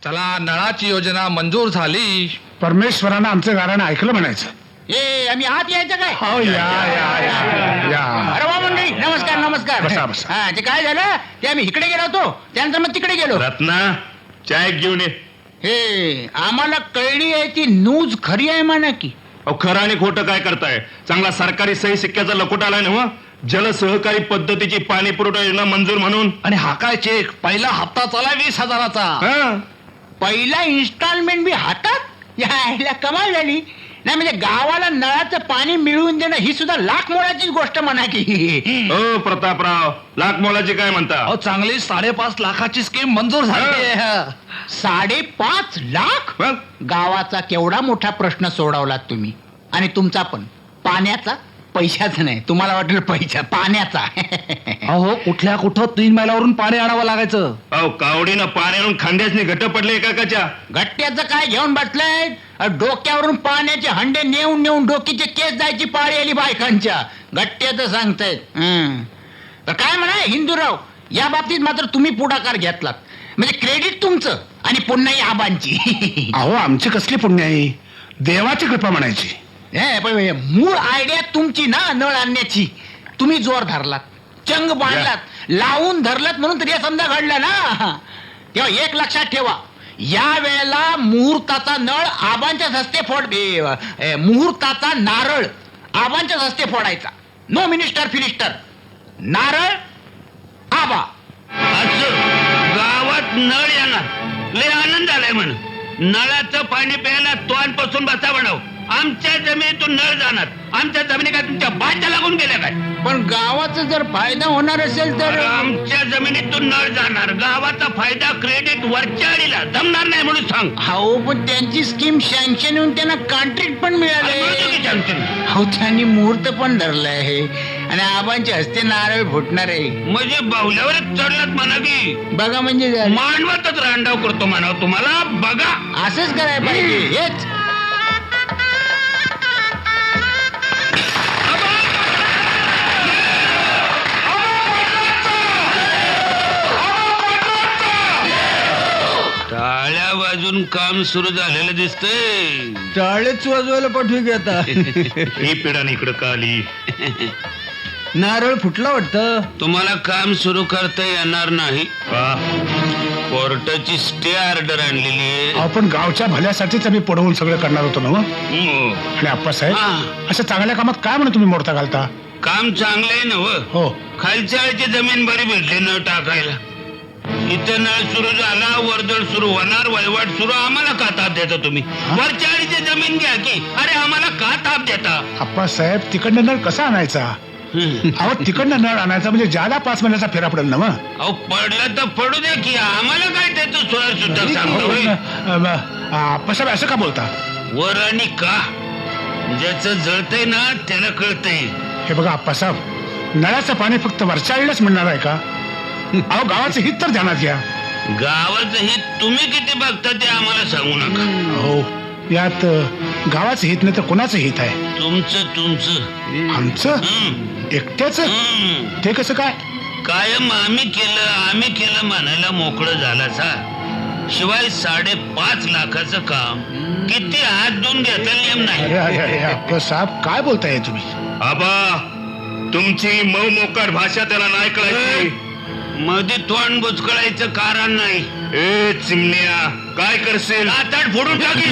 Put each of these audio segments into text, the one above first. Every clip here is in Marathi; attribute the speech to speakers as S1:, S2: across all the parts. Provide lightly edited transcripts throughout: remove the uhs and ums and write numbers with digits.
S1: चला नळाची योजना मंजूर झाली.
S2: परमेश्वरानं आमचं गाणं ऐकलं म्हणायचं.
S3: ए आम्ही आत यायचं काय?
S2: हो या या या या.
S3: अरे वा मंडळी, नमस्कार नमस्कार.
S2: बसा, बसा.
S3: हा ते काय झालं ते आम्ही इकडे गेलो होतो, त्यानंतर मग तिकडे गेलो.
S4: रत्ना चाय घेऊन ये.
S3: हे आम्हाला कळली आहे ती न्यूज खरी आहे म्हणा की.
S4: अहो खरं आणि खोटं काय करताय? चांगला सरकारी सही सिक्क्याचा लकोट आलाय ना मग. जल सहकारी पद्धतीची पाणी पुरवठा योजना मंजूर म्हणून.
S1: आणि हा काय चेक? पहिला हप्ता चाला 20,000चा.
S4: हा.
S3: पहिला इन्स्टॉलमेंट बी हातात यायला कमाल झाली. नाही म्हणजे गावाला नळाचं पाणी मिळवून देणं ही सुद्धा लाख मोलाची गोष्ट म्हणा की.
S4: हो प्रतापराव, लाख मोलाची काय म्हणता?
S1: अहो चांगली 5.5 लाखाची स्कीम मंजूर झाली.
S3: 5.5 लाख?
S4: मग?
S3: गावाचा केवढा मोठा प्रश्न सोडवलात तुम्ही. आणि तुमचा पण पैशाचा नाही, तुम्हाला वाटेल पैसा पाण्याचा.
S1: अहो कुठल्या कुठं 3 मैलावरून पाणी आणावं लागायचं.
S4: अहो कावडीनं पाण्यावरून खांद्यासनी घट्ट पडले एकाच्या.
S3: गट्ट्याचं काय घेऊन बसलंय? डोक्यावरून पाण्याचे हंडे नेऊन नेऊन डोकीचे केस जायची पाळी आली बायकांच्या. गट्ट्याचं सांगतायत. तर काय म्हणा हिंदूराव, या बाबतीत मात्र तुम्ही पुढाकार घेतलात म्हणजे क्रेडिट तुमचं आणि पुन्हा ही आबांची.
S2: अहो आमची कसली पुण्य आहे, देवाची कृपा म्हणायची.
S3: पण मूळ आयडिया तुमची ना नळ आणण्याची. तुम्ही जोर धरलात, चंग बांधलात, लावून धरलात म्हणून तरी समजा घडलं ना. तेव्हा एक लक्षात ठेवा, या वेळेला मुहूर्ताचा नळ आबांच्या हस्ते मुहूर्ताचा नारळ आबांच्या हस्ते फोडायचा. नो मिनिस्टर फिनिस्टर, नारळ आबा.
S5: असं गावात नळ येणार लय आनंद आलाय म्हण. नळाचं पाणी प्यायला तोंडपासून बसा बनव. आमच्या जमिनीतून नळ जाणार. आमच्या जमिनी काय तुमच्या बाच्या लागून गेल्या काय?
S3: पण गावाचा जर फायदा होणार असेल तर
S5: आमच्या जमिनीतून नळ जाणार. गावाचा फायदा क्रेडिट वरच्या अडीला जमणार नाही म्हणून सांग.
S3: हो पण त्यांची स्कीम सँक्शन होऊन त्यांना कॉन्ट्रॅक्ट पण
S5: मिळतो की
S3: मिळाले.
S5: sanction?
S3: हो त्यांनी मुहूर्त पण धरला आहे आणि आबांच्या हस्ते नारळ फुटणार आहे.
S5: म्हणजे बाहुल्यावरच चढलात म्हणा की.
S3: बघा म्हणजे झालं.
S5: मांडवतच रांडाव करतो म्हणा तुम्हाला. बघा
S3: असंच करायला पाहिजे. हेच
S5: टाळ्या वाजून काम सुरू झालेलं दिसतंय.
S6: टाळेच वाजवायला पाठवी की आता.
S4: ही पिढाने इकडं का आली?
S6: नारळ फुटला वाटतं.
S5: तुम्हाला काम सुरू करता येणार नाही.
S4: का?
S5: कोर्टाची स्टे ऑर्डर आणलेली आहे.
S2: आपण गावच्या भल्यासाठीच आम्ही पुढवून सगळं करणार होतो ना मग.
S5: हो.
S2: आणि आप्पासाहेब
S5: हा.
S2: अशा चांगल्या कामात काय म्हणून तुम्ही मोडता घालता?
S5: काम चांगलं आहे ना व.
S2: हो
S5: खालच्या आळची जमीन बरी भेटली नळ टाकायला. इथं नळ सुरू झाला, वर्दळ सुरू होणार, वळवाट सुरू. आम्हाला का ताप देता तुम्ही? वरच्या आळीची जमीन घ्या की. अरे आम्हाला का ताप देता?
S2: आप्पासाहेब तिकडनं नळ कसा आणायचा? अहो तिकडनं नळ आणायचा म्हणजे ज्याला 5 महिन्याचा फेरा पडेल ना मग.
S5: अहो पडलं तर पडू दे की. आम्हाला काय त्याचं सोळा सुद्धा सांगतो.
S2: आप्पासाहेब असं का बोलता?
S5: वर आणि का? ज्याचं जळतंय ना त्याला कळतंय.
S2: हे बघा आप्पासाहेब, नळाचं पाणी फक्त वरच्या आईलाच मिळणार आहे का? अहो गावाचं हित तर ध्यानात घ्या.
S5: गावाचं हित तुम्ही किती बघता ते आम्हाला सांगू नका.
S2: हो यात गावाचं हित नाही तर कोणाचं हित आहे?
S5: तुमचं
S2: आमचं एकट्याच? ते कसं काय?
S5: कायम आम्ही केलं म्हणायला मोकळं झाला सा. शिवाय 5.5 लाखाचं काम किती हात धुवून घेता नेम नाही.
S2: अरे अरे अरे आप्पासाहेब काय बोलताय तुम्ही?
S4: आबा, तुमची मऊ मोकार भाषा त्याला नाही कळायची.
S5: मध्ये तोंड बुचकळायचं कारण नाही.
S4: ए चिमण्या, काय करशील?
S5: आताड फोडून टाकी.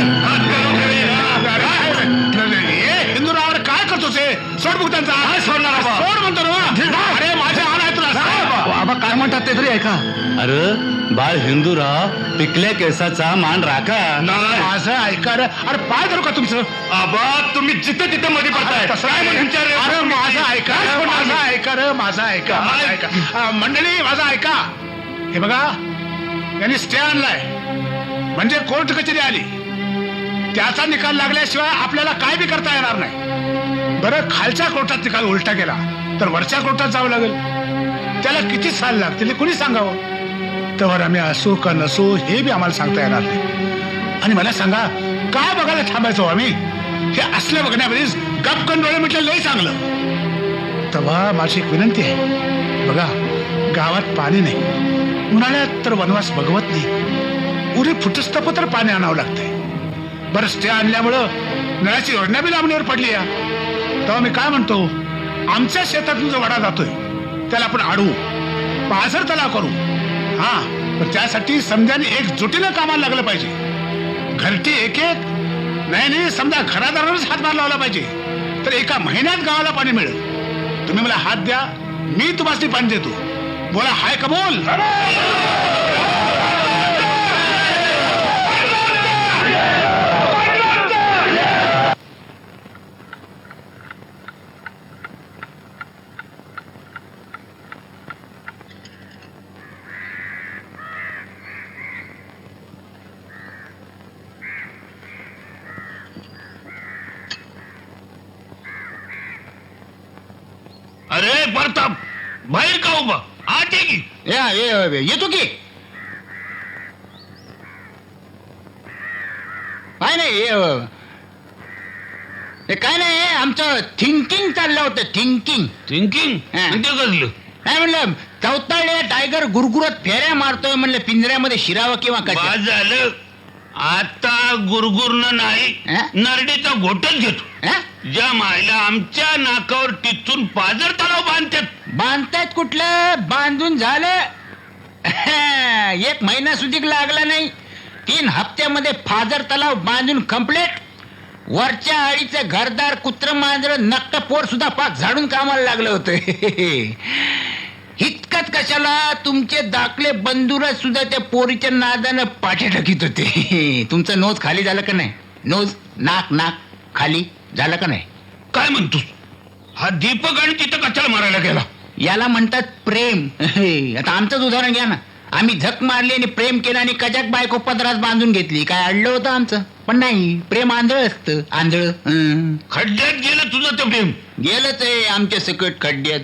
S2: हिंदूरावर काय करतोस? सोड बघ त्यांचा.
S4: सोडणार आबा?
S2: सोड म्हणतो ना. अरे माझ्या आला तुला.
S1: बाबा काय म्हणतात ते तरी ऐका.
S6: अरे बाळ हिंदूराव, पिकल्या केसाचा मान राखा.
S4: नाही.
S2: माझं ऐका रे. अरे पाय धरू का तुमचं?
S4: आबा, तुम्ही जिथे तिथे मध्ये पडताय.
S2: तसं
S4: काय म्हणून विचार?
S2: अरे माझं ऐका रे, माझं ऐका रे, माझं ऐका, माझं ऐका. मंडळी माझं ऐका. हे बघा, यांनी स्टे आणलाय म्हणजे कोर्ट कचेरी आली. त्याचा निकाल लागल्याशिवाय आपल्याला काय बी करता येणार नाही. बरं खालच्या कोर्टात निकाल उलटा केला तर वरच्या कोर्टात जावं लागेल. त्याला किती साल लागतील कुणी सांगावं? तर आम्ही असू का नसू हे बी आम्हाला सांगता येणार नाही. आणि मला सांगा, काय बघायला थांबायचो आम्ही? हे असल्या बघण्यामध्येच गपकन डोळे म्हटलं लय चांगलं. तेव्हा माझी एक विनंती आहे. बघा गावात पाणी नाही, उन्हाळ्यात तर वनवास बघवत नाही. पुढे फुटस्तपत्र पाणी आणावं लागतंय. बरं, स्टे आणल्यामुळं नळाची योजना बी लांबणीवर पडली या. तेव्हा मी काय म्हणतो, आमच्या शेतातून जो वडा जातोय त्याला आपण अडवू, पाझर तलाव करू. हा, पण त्यासाठी समजाने एकजुटीनं कामाला लागलं पाहिजे. घरटी एक एक नाही, समजा घरादारांनाच हातभार लावला पाहिजे, तर एका महिन्यात गावाला पाणी मिळेल. तुम्ही मला हात द्या, मी तुम्हाला पाणी देतो. बोला, हाय का बोल.
S5: अरे प्रताप, बाहेर का उभा? आत ये की.
S3: येतो की. काय नाही, काय नाही, आमचं थिंकिंग चाललं होतं. थिंकिंग
S5: थिंकिंग
S3: हा.
S5: ते कसलं?
S3: काय म्हणलं, चौताळ्या टायगर गुरगुरत फेऱ्या मारतोय म्हणलं, पिंजऱ्यामध्ये शिरावं किंवा
S5: बाद
S3: काय.
S5: झालं. आता गुरगुरनं नाही,
S3: हा?
S5: नरडीचा घोटच घेतो. ज्या मायला आमच्या नाकावर टिचून पाझर तलाव बांधतात.
S3: बांधतायत कुठलं, बांधून झालं. 1 महिना सुधीक लागला नाही, 3 हप्त्यामध्ये फाजर तलाव बांधून कंप्लीट. वरच्या आळीचं घरदार कुत्र मांजर नक्क पोर सुद्धा पाक झाडून कामाला लागलं होतं. इतकंच कशाला, तुमचे दाखले बंधुरच सुद्धा त्या पोरीच्या नादानं पाठे टाकीत होते. तुमचं नोज खाली झालं का नाही? नोज, नाक खाली झालं का नाही?
S5: काय म्हणतोस? हा दीपक आणि तिथं कशाला मारायला गेला?
S3: याला म्हणतात प्रेम. आता आमचंच उदाहरण घ्या ना. आम्ही झक मारली आणि प्रेम केलं आणि कजाक बायको पदरात बांधून घेतली. काय अडलं होतं आमचं? पण नाही, प्रेम आंधळ असतं, आंधळ.
S5: खड्ड्यात गेलं तुझं ते प्रेम.
S3: गेलंच आहे आमच्या सकट खड्ड्यात.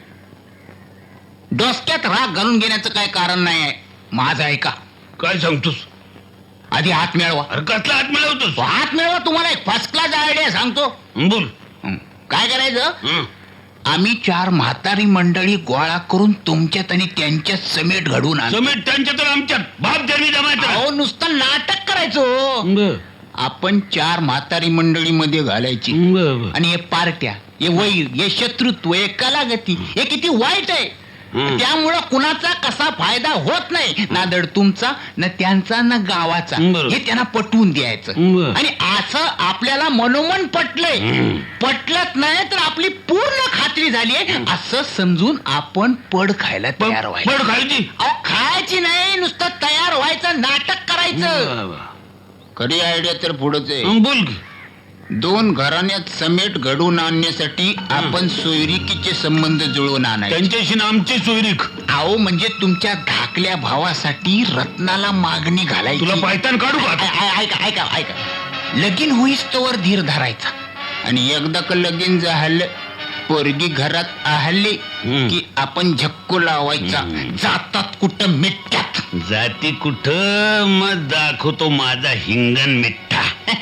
S3: डोसक्यात राग घालून घेण्याचं काय कारण नाही आहे. माझं ऐका.
S5: काय सांगतोस?
S3: आधी हात मिळवा.
S5: अरे कसला हात मिळवतोस?
S3: हात मिळवा, तुम्हाला एक फर्स्ट क्लास आयडिया सांगतो.
S5: बोल.
S3: काय करायचं,
S5: हं.
S3: आम्ही 4 म्हातारी मंडळी गोळा करून तुमच्यात आणि त्यांच्यात समेट घडवून आणतो.
S5: समेट त्यांच्या तर आमच्यात बाप जन्मी जमायचं.
S3: अहो, नुसतं नाटक करायचो. आपण 4 म्हातारी मंडळीमध्ये घालायची आणि हे पार्ट्या, हे वैर, हे शत्रुत्व, हे कलागती, हे किती वाईट आहे. त्यामुळं कुणाचा कसा फायदा होत नाही, ना धड तुमचा, ना त्यांचा, ना गावाचा. हे त्यांना पटवून द्यायचं. आणि असं आपल्याला मनोमन पटलंय. पटलंच नाही तर आपली पूर्ण खात्री झाली असं समजून आपण पड खायला तयार व्हायचं.
S5: पड खायची?
S3: अहो, खायची नाही, नुसतं तयार व्हायचं, नाटक करायचं. खरी आयडिया तर पुढेच आहे.
S5: बोल की.
S3: 2 घराण्यात समेट घडवून आणण्यासाठी आपण सोयरिकीचे संबंध जुळवून आणायचे.
S5: त्यांच्याशी ना आमची सोयरीक.
S3: अहो, म्हणजे तुमच्या धाकल्या भावासाठी रत्नाला मागणी घालायची.
S5: तुला पायतान काढू का?
S3: ऐका. लगीन होईस तोवर धीर धरायचा, आणि एकदा का लगीन झालं, पोरगी घरात आहली की आपण झक्को लावायचा. जातात कुठं मिठ्यात.
S5: जाती कुठं, मग दाखवतो माझा हिंगण मिठ्ठा.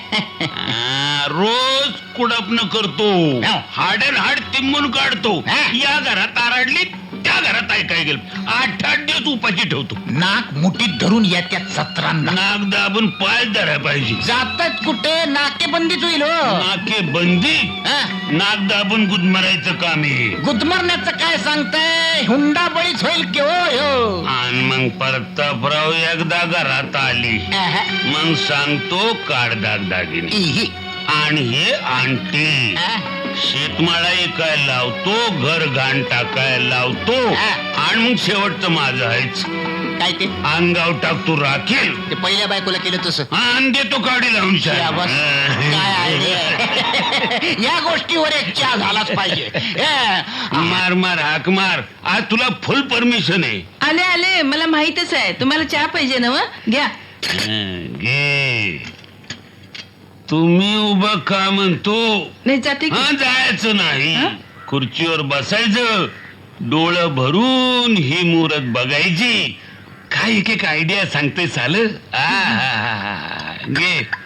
S5: रोज कुडपण करतो, हाड अँड हाड तिंबून काढतो. या घरात आरडली, त्या घरात ऐकाय गेलं, 8 दिवस उपाशी ठेवतो.
S3: नाक मुठीत धरून येत्यात 17.
S5: नाक दाबून पाय धरायला पाहिजे.
S3: जातात कुठे, नाकेबंदीच होईल हो.
S5: नाके बंदी, नाक दाबून गुदमरायचं काम आहे.
S3: गुदमरण्याचं काय सांगताय, हुंडा बळीच होईल की हो.
S5: आणि मग प्रतापराव एकदा घरात आली, मग सांगतो काढ दागदागिने. आणि हे आणटी शेतमाळा ऐकायला लावतो, घर घाण टाकायला लावतो, आणि मग शेवटचं माझं आहेच.
S3: काय ते
S5: अंगाव टाकतो राखील.
S3: ते पहिल्या बायकोला केलं तसं.
S5: आणि देतो काढी लावून.
S3: या बस, काय आहे? या गोष्टीवर एक चहा झालाच पाहिजे.
S5: मार हाक मार. आज तुला फुल परमिशन आहे.
S7: आले मला माहितच आहे तुम्हाला चहा पाहिजे ना. घ्या.
S5: घे. तुम्ही उभं का म्हणतो?
S7: नाही जाते की.
S5: हा, जायचं नाही. खुर्चीवर बसायचं, डोळं भरून ही मुहूर्त बघायची. काय एक आयडिया सांगते साल. घे.